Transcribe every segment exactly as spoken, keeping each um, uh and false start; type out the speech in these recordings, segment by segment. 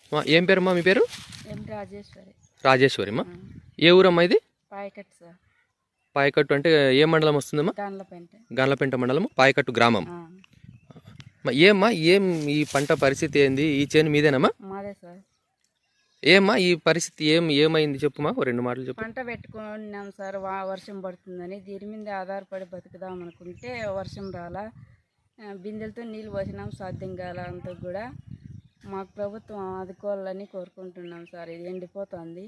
ఏం పేరమ్మా మీ పేరు? రాజేశ్వరి. రాజేశ్వరిమ్మా. ఏ ఊరమ్మా ఇది? పాయకట్టు సార్. పాయకట్టు అంటే ఏ మండలం వస్తుందమ్మా? గండ్లపెంట. గండ్లపెంట మండలం పాయకట్టు గ్రామం. ఏమ్మా ఏం ఈ పంట పరిస్థితి ఏంది? ఈ చేను మీదేనమ్మా? మాదే సార్. ఏమ్మా ఈ పరిస్థితి ఏం ఏమైంది చెప్పుమా, రెండు మాటలు చెప్పు. పంట పెట్టుకున్నాం సార్, వర్షం పడుతుందని దీని మీద ఆధారపడి బతుకుదాం అనుకుంటే వర్షం రాలా, బిందెలతో నీళ్ళు పోసినాం, సాధ్యం కాల. అంతా కూడా మాకు ప్రభుత్వం ఆదుకోవాలని కోరుకుంటున్నాం సార్. ఇది ఎండిపోతుంది,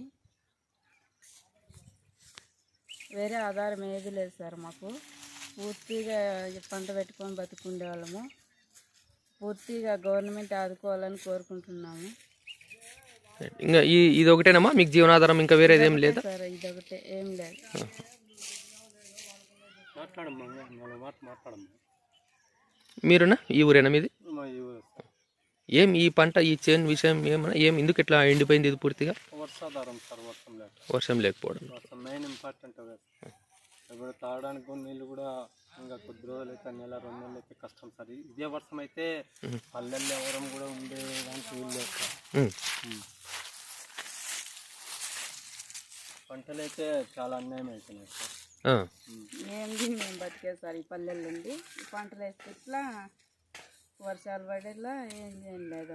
వేరే ఆధారం ఏది లేదు సార్. మాకు పూర్తిగా పంట పెట్టుకొని బతుకుండే వాళ్ళము, పూర్తిగా గవర్నమెంట్ ఆదుకోవాలని కోరుకుంటున్నాము. ఇంకా ఈ ఇది ఒకటేనమ్మా మీకు జీవనాధారం? ఇంకా వేరేది ఏం లేదా సార్? ఇది ఒకటే, ఏం లేదు. మీరునా ఈ ఊరేనా మీది? ఏం ఈ పంట ఈ చేను విషయం ఏమన్నా ఏం ఎందుకు ఇట్లా ఎండిపోయింది ఇది పూర్తిగా? వర్షాధారం సార్, వర్షం లేక వర్షం లేకపోవడం మెయిన్ ఇంపార్టెంట్. ఇప్పుడు తాగడానికి నీళ్ళు కూడా ఇంకా కొద్ది రోజులు అయితే నెల రెండు నెలలు అయితే కష్టం సార్. ఇదే వర్షం అయితే పల్లెల్లో ఎవరం కూడా ఉండేదానికి వీలు లేదు సార్. పంటలు అయితే చాలా అన్యాయం అవుతున్నాయి సార్. ఏంది మేము బతికే సార్ ఈ పల్లెల్లో ఉండి, ఈ పంటలు వేస్తే ఇట్లా వర్షాలు పడేలా ఏం ఏం లేదు.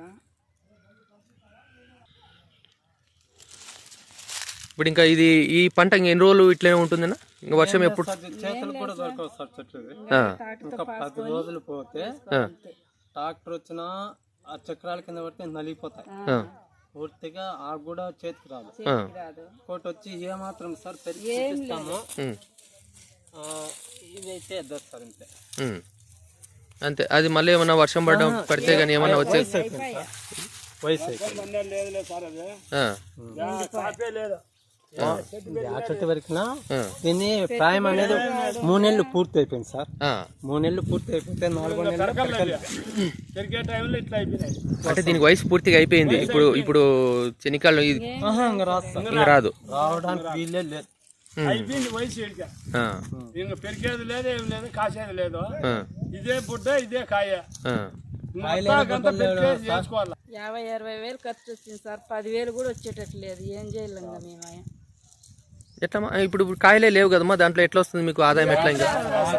ఇప్పుడు ఇంకా ఇది ఈ పంట ఎన్ని రోజులు ఇట్లనే ఉంటుందన్నా? ఇంకా వర్షం ఎప్పుడు? చేతులు కూడా దొరకవు సార్ చెట్లు. ఇంకా పది రోజులు పోతే ట్రాక్టర్ వచ్చినా ఆ చక్రాల కింద పడితే నలిగిపోతాయి పూర్తిగా. ఆ కూడా చేతికి రాదు. కోటి వచ్చి ఏమాత్రం సార్ పెరిగిస్తాము, ఇదైతే ఎద్దరు సార్ ఇంతే అంతే. అది మళ్ళీ ఏమన్నా వర్షం పడడం పడితే కానీ ఏమన్నా వచ్చే వయసు చెట్టు వరకునా దీన్ని ప్రాయం అనేది మూడు నెలలు పూర్తి అయిపోయింది సార్. మూడు నెలలు పూర్తి అయిపోతే నాలుగో నెలలు అంటే దీనికి వయసు పూర్తిగా అయిపోయింది. ఇప్పుడు ఇప్పుడు చెనికాళ్ళు ఇంకా రాదు, రావడానికి వీలే లేదు. అయిపోయింది వయసు. ఇంకా పెరిగేది లేదు, ఏం లేదు, కాసేది లేదు. ఇదే బుడ్డ, ఇదే కాయ. యాభై అరవై వేలు ఖర్చు వచ్చింది సార్, పదివేలు కూడా వచ్చేటట్లేదు. ఏం చేయలేం మేము. ఎట్లా ఇప్పుడు కాయలే లేవు కదమ్మా, దాంట్లో ఎట్లా వస్తుంది మీకు ఆదాయం? ఎట్లా ఇంకా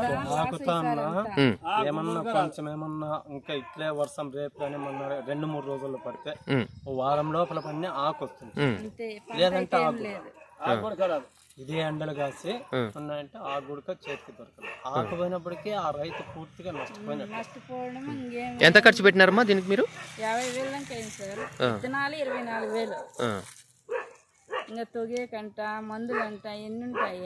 ఏమన్నా కొంచెం ఏమన్నా ఇంకా ఇట్లే వర్షం రేపు కానీ మొన్న రెండు మూడు రోజుల్లో పడితే వారం లోపల పడిన ఆకు వస్తుంది, లేదంటే ఆకు ఇదే ఎండలు కాసి ఉన్నాయంటే ఆ గుడక చేతికి దొరకదు. ఆకు పోయినప్పటికీ ఆ రైతు పూర్తిగా నష్టపోవడం. ఎంత ఖర్చు పెట్టినారమ్మా దీనికి మీరు? యాభై వేలు దాకా అయింది సార్. విత్తనాలు ఇరవై నాలుగు వేలు, ఇంకా తొగే కంట మందులు అంట ఎన్ని ఉంటాయి.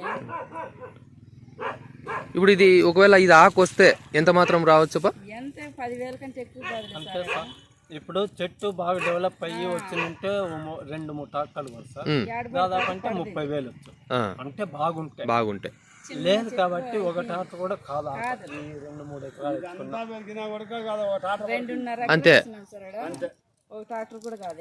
ఇప్పుడు ఇది ఒకవేళ ఇది ఆకు వస్తే ఎంత మాత్రం రావచ్చు? ఎంత పదివేల కంటే ఎక్కువ కాదు. ఇప్పుడు చెట్టు బాగా డెవలప్ అయ్యి వచ్చిందంటే రెండు మూడు ట్రాక్టర్లు కూడా సార్, దాదాపు అంటే ముప్పై వేలు వచ్చు. అంటే బాగుంటాయి బాగుంటాయి లేదు కాబట్టి ఒక ట్రాక్టర్ కూడా కాదు. ఈ రెండు మూడు ఎకరాలు అంతే. ఒక ట్రాక్టర్ కూడా కాదు.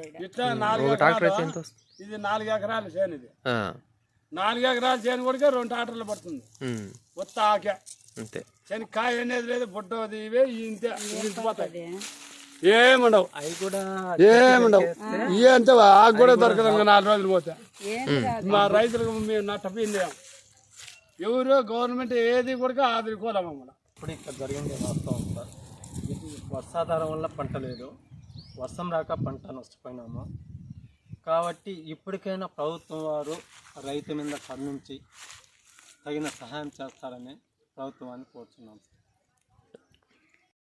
ఇది నాలుగు ఎకరాలు చేను. ఇది నాలుగు ఎకరాల చేను కూడా రెండు ట్రాక్టర్లు పడుతుంది. కొత్త ఆకే అంతే. శనక్కాయ అనేది లేదు, బుడ్డది ఇవే ఇంతే ఇంటిపోతాయి. ఏముండవు అవి కూడా ఏముండవు. ఇవే అంతే, ఆకు కూడా దొరకదు ఇంకా నాలుగు రోజులు పోతే. మా రైతులకు మేము నష్టపోయింది. ఎవరు గవర్నమెంట్ ఏది కూడా ఆదుకోలేము. ఇప్పుడు ఇక్కడ జరిగింది వాస్తవం సార్. వర్షాధారం వల్ల పంట లేదు, వర్షం రాక పంట నష్టపోయినాము. కాబట్టి ఇప్పటికైనా ప్రభుత్వం వారు రైతు మీద కరుణించి తగిన సహాయం చేస్తారని ప్రభుత్వాన్ని కోరుతున్నాం.